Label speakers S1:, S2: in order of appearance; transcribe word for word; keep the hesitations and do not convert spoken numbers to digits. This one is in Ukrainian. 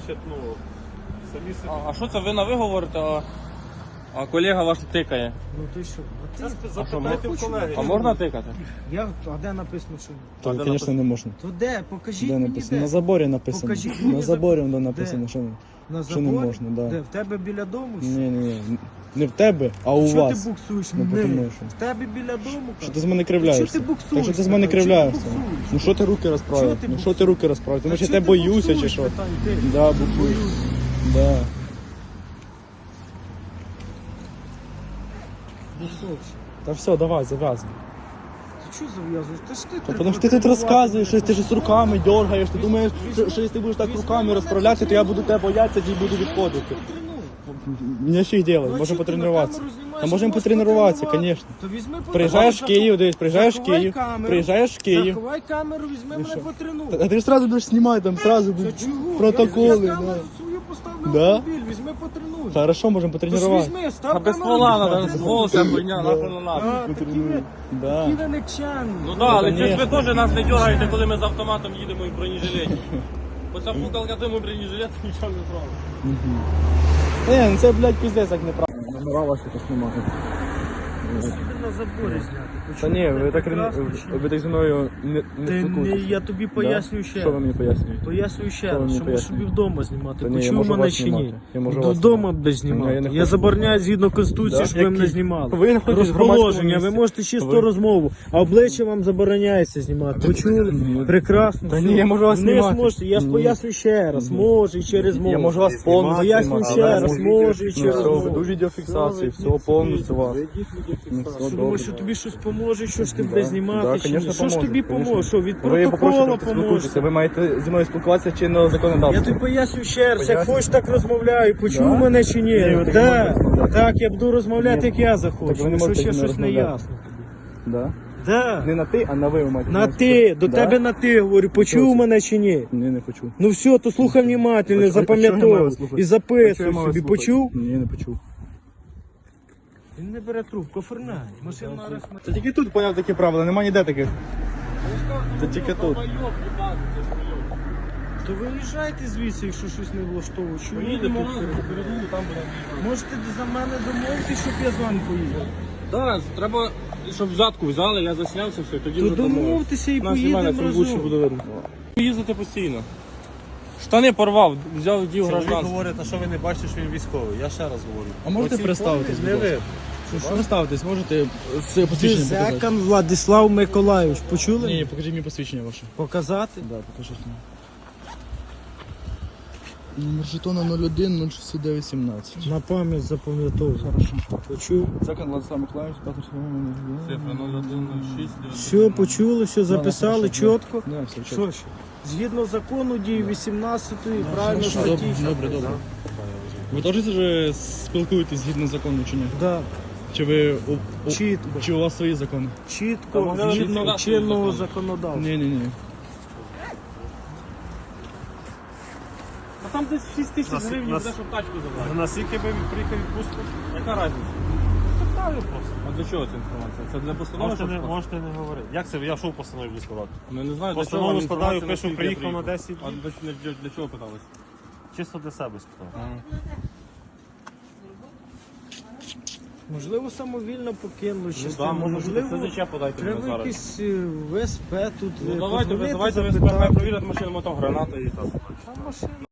S1: значить, ну, самі собі.
S2: А, а що це ви на ви говорите, а, а колега ваш тикає?
S3: Ну ти що? А ти...
S1: Це запитайте в колеги.
S2: А можна тикати?
S3: Я... А де написано, що ні?
S2: А
S4: То,
S2: де
S4: звісно, не можна.
S3: То де? Покажіть
S4: Де
S3: мені
S4: написано?
S3: де.
S4: На заборі написано.
S3: Покажіть
S4: На
S3: мені
S4: заборі
S3: забор.
S4: воно написано,
S3: Де?
S4: що не.
S3: На
S4: Що не
S3: заборі?
S4: можна, да.
S3: Де? В тебе біля дому?
S4: Ні, ні, ні. Не в тебе, а у
S3: Чого
S4: вас.
S3: ти буксуєш?
S4: Ну,
S3: Не.
S4: потому що.
S3: В тебе біля дому?
S4: Що
S3: кажу.
S4: ти з мене кривляєшся?
S3: Чого ти буксуєш?
S4: Так що ти з мене
S3: Питаю,
S4: кривляєшся?
S3: чого ти буксуєш?
S4: Ну що ти руки
S3: Чого
S4: розправив?
S3: ти
S4: Ну що ти руки розправив? Ти
S3: Та
S4: може я
S3: чого
S4: тебе
S3: ти
S4: боюся чи
S3: буксуєш,
S4: що?
S3: питаю, ти?
S4: Да, буксуєш. Да.
S3: Буксуєш.
S4: Та все, давай, зав'язуй.
S3: Ти що зав'язуєш? Та ж ти
S4: Та тому що ти тут розказуєш, що ти ж з руками дергаєш, ти думаєш, що, що якщо ти будеш так руками розправляти, то я буду тебе боятися і буду відходити. Мені ще й делать,
S3: Ну,
S4: можемо
S3: що ти на
S4: потренуватися.
S3: камеру знімаєш,
S4: Та можемо
S3: можеш
S4: потренуватися,
S3: потренувати.
S4: звісно.
S3: То візьми
S4: Приїжджаєш в
S3: потренуй,
S4: Київ, дивись, приїжджаєш в
S3: заховай
S4: Київ,
S3: камеру.
S4: приїжджаєш в Київ.
S3: Заховай камеру, візьми мене
S4: що?
S3: потренуй.
S4: А ти ж одразу будеш знімати, там одразу
S3: Та
S4: будуть
S3: чого?
S4: протоколи.
S3: Я, я
S4: да.
S3: камеру свою поставлю
S4: Да?
S3: в автомобіль, візьми потренуй.
S4: Хорошо, можемо
S3: Тож
S4: потренувати.
S3: візьми, став
S2: А без
S3: камеру,
S2: ствола
S3: візьми,
S2: надо,
S3: потренуй.
S2: ствол ця хуйня, нахуй не надо.
S3: А, такі ви,
S4: Да.
S3: такі ви никчемні.
S2: Ну так, але
S4: конечно.
S2: щось ви теж нас не дергаєте, коли ми з автоматом їдемо і в бронежилеті. Оця пукалка тому бронежилет нічого не зробить.
S4: Е, ну це, блядь, пиздець, як неправильно. Номера ваші тут немає.
S3: Собі на заборі зняти.
S4: Та ні, ви так,
S3: Прекрасно,
S4: ви,
S3: чи ні?
S4: ви так зі мною не,
S3: Ти
S4: не
S3: не,
S4: спілкуєтесь.
S3: я тобі пояснюю ще
S4: Що ви
S3: раз.
S4: мені пояснюєте?
S3: Пояснюю ще
S4: Що ви
S3: раз,
S4: мені
S3: що можеш собі
S4: пояснюєте?
S3: вдома знімати.
S4: Та ні, я
S3: Почув
S4: можу
S3: мене
S4: вас
S3: чи ні?
S4: знімати. Я можу вас
S3: Додому
S4: знімати.
S3: будеш
S4: Ні, я
S3: знімати.
S4: не
S3: Я
S4: хочу.
S3: забороняю згідно Конституції,
S4: Да?
S3: щоб ви мене
S4: Які?
S3: знімали.
S4: Ви не хочете в громадському
S3: Розположення, ви
S4: місці.
S3: можете чисто
S4: Ви-
S3: розмову, а обличчя вам забороняється знімати. Почули? Прекрасно.
S4: Та
S3: все.
S4: ні, я можу вас
S3: Не
S4: знімати.
S3: зможете, я ж
S4: Ні.
S3: поясню ще раз, може і через мову.
S4: Я можу вас повністю
S3: Поясню
S4: знімати.
S3: ще
S4: Але
S3: раз,
S4: я
S3: може і
S4: Ну
S3: через
S4: все,
S3: мову.
S4: веду відеофіксацію, всього повністю вас. Ну, все
S3: Ти
S4: добре.
S3: думаєш, що тобі щось поможе, що ж ти будеш
S4: Да,
S3: знімати, чи ні?
S4: конечно,
S3: Що ж
S4: поможе,
S3: тобі
S4: конечно.
S3: поможе? Що, від
S4: Ви
S3: протоколу
S4: попросите,
S3: поможе?
S4: спілкуйтеся, ви маєте зі мною спілкуватися чинного
S3: Я
S4: законодавства.
S3: тобі поясню ще раз, як
S4: Поясню.
S3: хочеш так розмовляю, почув
S4: Да?
S3: мене чи ні?
S4: Ні, ви так не
S3: Так,
S4: можете розмовляти.
S3: так, я буду розмовляти,
S4: Ні.
S3: як я
S4: Так
S3: захочу,
S4: ви не
S3: якщо
S4: можете
S3: ще
S4: зі мною
S3: щось не
S4: розмовляти.
S3: ясно.
S4: Да?
S3: Да.
S4: Не на ти, а на ви ви маєте.
S3: На
S4: зі мною
S3: ти, до
S4: Да?
S3: тебе на ти говорю, почув
S4: Що це?
S3: мене чи ні?
S4: Ні, не почув.
S3: Ну все, то слухай внимательно,
S4: А чого я маю
S3: запам'ятовуй
S4: слухати?
S3: і
S4: А чого
S3: записуй
S4: я маю
S3: собі,
S4: слухати?
S3: почув?
S4: Ні, не почув.
S3: Він не бере трубку, оформляй. Машина арешт.
S4: Це тільки тут поняв такі правила, нема ніде таких. Це тільки тут.
S3: То виїжджайте звідси, якщо щось не влаштовує. Чому ви
S2: Поїдемо
S3: тут?
S2: разом, передуму, там будемо.
S3: Можете за мене домовитися, щоб я з вами поїхав.
S2: Так, треба, щоб взятку взяли, я заснявся, все, тоді
S3: То
S2: вже домовимось.
S3: домовтеся і
S2: Нас знімає,
S3: поїдемо
S2: це лучше
S3: разом.
S2: буде видно. Їздити постійно. Штани порвав, взяв дів
S1: Чоловік
S2: гражданство.
S1: говорить, а що ви не бачите, що він військовий. Я ще раз говорю.
S4: А можете
S1: Оці
S4: представитись,
S1: формі
S4: будь
S1: Не
S4: ласка?
S1: ви.
S4: Що представитись, можете це посвідчення показати?
S3: Дзекан Владислав Миколайович, почули?
S4: Ні, покажіть мені посвідчення ваше.
S3: Показати?
S4: Да, покажіть мені. Номер жетона нуль один нуль шістдесят дев'ять сімнадцять.
S3: На пам'ять запам'ятовую.
S4: Хорошо.
S3: Почув?
S4: Закон Владислав Миколаївич, п'ятий
S2: Цифра нуль один нуль шість.
S3: Все, почули, все записали
S4: хорошо,
S3: чітко.
S4: Да, все чітко.
S3: Що ще? Згідно закону дії вісімнадцятої, правильно
S4: Добре,
S3: статті.
S4: добре, добре. Ви теж вже спілкуєтесь згідно закону чи ні?
S3: Да,
S4: Чи ви у, у-
S3: чітко,
S4: чи у вас свої закони?
S3: чітко,
S2: могли
S3: згідно
S2: б
S3: чинного
S2: закону.
S3: законодавства.
S4: Ні, ні, ні.
S2: А там десь шість тисяч
S1: Нас-
S2: гривень
S1: нас-
S2: буде, щоб тачку забрати.
S1: Наскільки ви приїхав відпустку?
S2: Яка різниця?
S1: Питаю просто.
S2: А для чого ця інформація? Це для постанови?
S1: Можете
S2: щоб
S1: не,
S2: скласти?
S1: можете не говорити. Як це? Я що в постанові буду складати?
S2: Ну, я не знаю, для чого
S1: Постанову
S2: вам
S1: складаю,
S2: інформація,
S1: пишу,
S2: наскільки я
S1: приїхав на десять
S2: А
S1: днів.
S2: для, для, для, для чого питались?
S1: Чисто для себе спитав.
S3: Можливо, самовільно покинули
S2: Ну,
S3: частину.
S2: да, може бути,
S3: Можливо,
S2: це заче подайте мені
S3: треба
S2: зараз.
S3: якийсь е, ВСП тут.
S2: Ну
S3: е,
S2: давайте,
S3: позвонити,
S2: визивайте
S3: запитати.
S2: ВСП, провірять машину, там граната і так.
S3: А машина